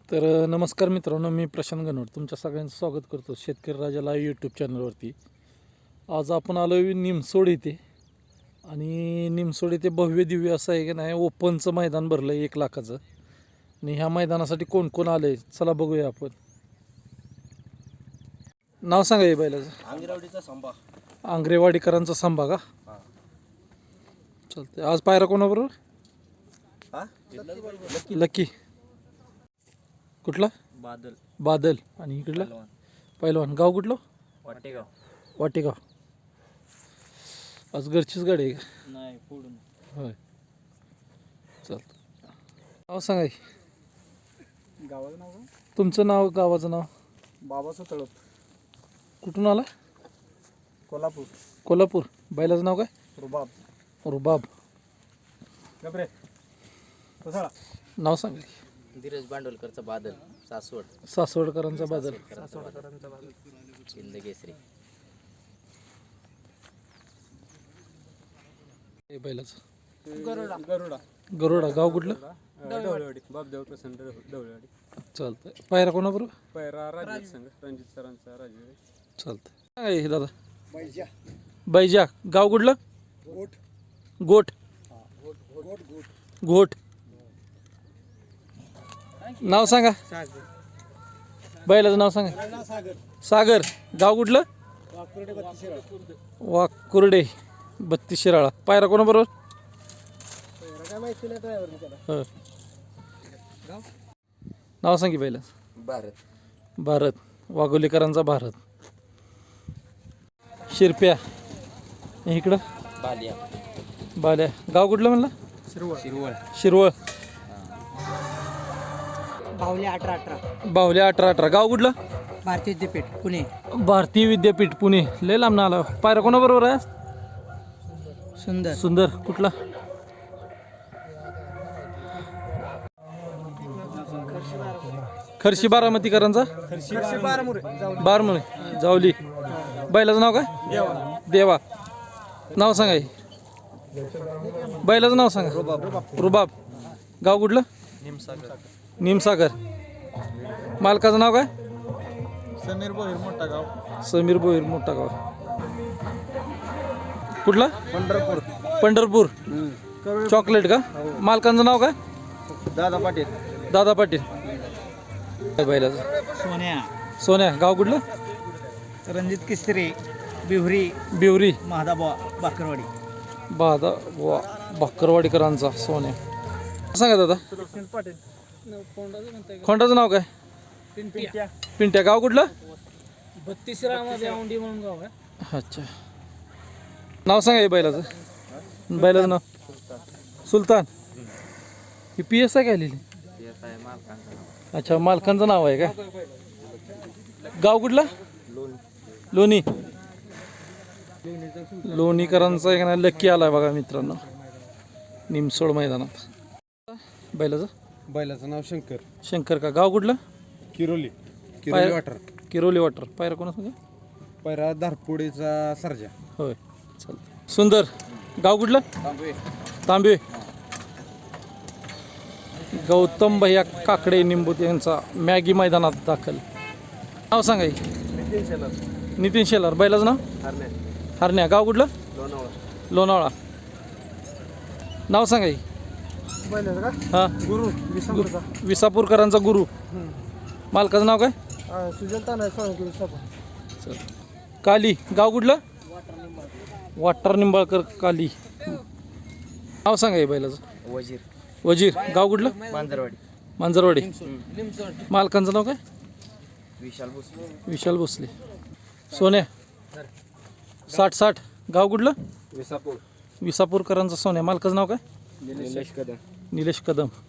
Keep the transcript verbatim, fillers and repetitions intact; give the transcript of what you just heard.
तर नमस्कार मित्रांनो, मी प्रशांत गणवट तुमच्या सगळ्यांचं स्वागत करतो शेतकरी राजा लाईव्ह यूट्यूब चॅनलवरती. आज आपण आलो आहे निमसोड इथे आणि निमसोड इथे भव्य दिव्य असं आहे की नाही ओपनचं मैदान भरलं आहे एक लाखाचं. आणि ह्या मैदानासाठी कोण कोण आलं आहे चला बघूया आपण. नाव सांगा हे बैलाचं. आंग्रेवाडीचा संभा. आंग्रेवाडीकरांचा संभा का? चालतंय. आज पायरा कोणाबरोबर? हा लकी. कुठला? बादल. बादल. आणि इकडला पहिलवान. गाव कुठलं? वाटेगाव. वाटेगाव. आज घरचीच गाडी आहे का? नाही पुढून. होय चालतं. नाव सांगा की. गावाचं नाव काय? तुमचं नाव, गावाचं नाव. बाबाचं तळप. कुठून आला? कोल्हापूर. कोल्हापूर. बैलाचं नाव काय? रुबाब. रुबाब. गबरे कोसळा. नाव सांगा की. धीरज बांडोलकरचा बादल. सासवड. सासवडकरांचा बादल. सासवडकरांचा बादल. शिंदकेसरी. हे बैलाचं. गरुडा. गरुडा. गरुडा. गाव कुठलं? ढवळेवाडी. बापदेव प्रसन्न ढवळेवाडी. चालतंय. पायरा कोणाबरोबर? पैरा राजीव संघ. रणजित सरांचा राजीव. चालतंय. सांगा हे दादा. बैजा. बैजा. गाव कुठलं? गोट. गोट. गोट गोट. घोट. नाव सांगा. बैलाचं नाव सांगा. सागर. सागर. गाव कुठलं? वाकुर्डे बत्तीस. वाकुर्डे बत्तीस शिराळा. पायरा कोणाबरोबर? काय माहिती नाही ड्रायव्हर त्याला. हो. नाव सांग की बैला. भारत. भारत. वाघोलीकरांचा भारत. शिरप्या. इकडं बालिया. बाल्या. गाव कुठलं म्हणलं? शिरवळ. शिरवळ. शिरवळ. बावले अठरा अठरा. बाहुल्या अठरा अठरा. गाव कुठलं? भारतीय विद्यापीठ पुणे. भारतीय विद्यापीठ पुणे. लय लांब आला. पायरा कोणाबरोबर आहे? सुंदर. सुंदर. कुठला? खर्शी बारामतीकरांचा बारमुळे. जावली. बैलाचं नाव काय? देवा. नाव सांगा हे. बैलाचं नाव सांगा. रुबाब. गाव कुठलं? निमसागर. मालकाचं नाव काय? समीर बोहीर मोठा गाव. समीर बोईर मोठा गाव. कुठला? पंढरपूर. पंढरपूर. चॉकलेट का? मालकांचं नाव काय? दादा पाटील. दादा पाटील. काय बैलाचं? सोन्या. सोन्या. गाव कुठलं? रणजित किस्त्री. बिहुरी. बिवरी. महादाबा बाकरवाडी. बादा वा भाकरवाडीकरांचा सोन्या. सांगा दादा. पाटील. खोंडाचं नाव काय? पिंट्या. गाव कुठलं? बत्तीस मध्ये औंडी म्हणून गाव आहे. अच्छा. नाव सांगा हे बैलाचं. बैलाचं नाव? सुलतान. ही पी एस आय काय लिहिली? अच्छा, मालकांचं नाव आहे का? गाव कुठलं? लोणी. लोणीकरांचा एक ना लक्की आलाय बघा मित्रांनो निमसोड मैदानात. बैलाचं? बैलाचं नाव शंकर. शंकर का? गाव कुठलं? किरोली. किरोली पाय- वाटर. किरोली वाटर. पायरा कोणा सांगा? पैरा धारपुडीचा सर्जा. होय चालतं. सुंदर. गाव कुठलं? तांबे. गौतम भैया काकडे निंबूत यांचा मॅगी मैदानात दाखल. नाव सांगा हे. नितीन शेलार. बैलाचं नाव? हरण्या. गाव कुठलं? लोणावळा. नाव सांगा हे. हा. गुरु. विसापूरकरांचा गुरु. मालकाचं नाव काय? सुजलता नाही चल. काली. गाव कुठलं? वाटर निंबाळकर. काली. नाव सांगा हे बैलाचं. वजीर. वजीर. गाव कुठलं? मांजरवाडी. मांजरवाडी. मालकांचं नाव काय? विशाल भोसले. विशाल भोसले. सोन्या. साठ साठ. गाव कुठलं? विसापूर. विसापूरकरांचा सोन्या. मालकाचं नाव काय? निलेश कदम. निलेश कदम.